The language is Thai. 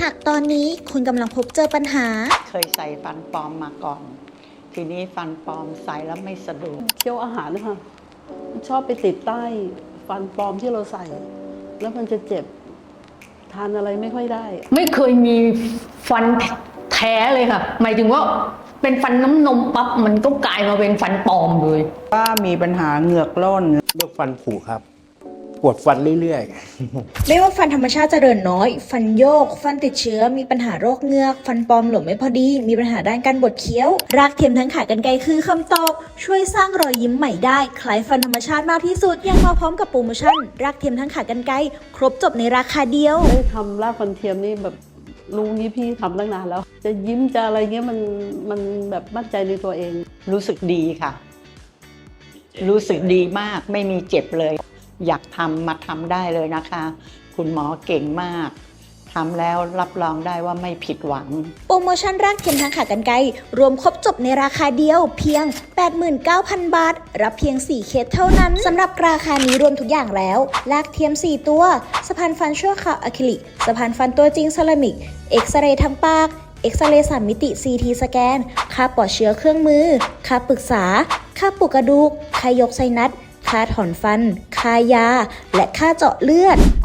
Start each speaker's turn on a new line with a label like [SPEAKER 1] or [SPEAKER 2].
[SPEAKER 1] หากตอนนี้คุณกำลังพบเจอปัญหา
[SPEAKER 2] เคยใส่ฟันปลอมมาก่อน ทีนี้ฟันปลอมใส่แล้วไม่สะดวก
[SPEAKER 3] เคี้ยวอาหารนะคะชอบไปติดใต้ฟันปลอมที่เราใส่ แล้วมันจะเจ็บทานอะไรไม่ค่อยได้
[SPEAKER 4] ไม่เคยมีฟันแท้เลยค่ะหมายถึงว่าเป็นฟันน้ำนมปั๊บมันก็กลายมาเป็นฟันปลอมเลย
[SPEAKER 5] ว่ามีปัญหาเหงือกร่น
[SPEAKER 6] เลือกฟันผุครับปวดฟันเรื่อย
[SPEAKER 1] ๆ ไม่ว่าฟันธรรมชาติจะเดินน้อยฟันโยกฟันติดเชื้อมีปัญหาโรคเหงือกฟันปลอมหลวมไม่พอดีมีปัญหาด้านการบดเคี้ยวรากเทียมทั้งขากรรไกรคือคำตอบช่วยสร้างรอยยิ้มใหม่ได้คล้ายฟันธรรมชาติมากที่สุดยังมาพร้อมกับโปรโมชั่นรากเทียมทั้งขากรรไกรครบจบในราคาเดียว
[SPEAKER 3] ได้ทำรากฟันเทียมนี่แบบลุงนี้พี่ทำตั้งนานแล้วจะยิ้มจะอะไรเงี้ยมันแบบมั่นใจในตัวเอง
[SPEAKER 2] รู้สึกดีค่ะ รู้สึกดีมากไม่มีเจ็บเลยอยากทำมาทำได้เลยนะคะ คุณหมอเก่งมากทำแล้วรับรองได้ว่าไม่ผิดหวัง
[SPEAKER 1] โปรโมชั่นรากเทียมทั้งขากรรไกรรวมครบจบในราคาเดียวเพียง 89,000 บาทรับเพียง4เคสเท่านั้นสำหรับราคานี้รวมทุกอย่างแล้วรากเทียม4ตัวสะพานฟันชั่วคราวอะคริลิกสะพานฟันตัวจริงเซรามิกเอ็กซเรย์ทางปากเอ็กซเรย์3มิติ CT สแกนค่าปลอดเชื้อเครื่องมือค่าปรึกษาค่าปลุกกระดูกค่ายกไซนัสค่าถอนฟันค่ายาและค่าเจาะเลือด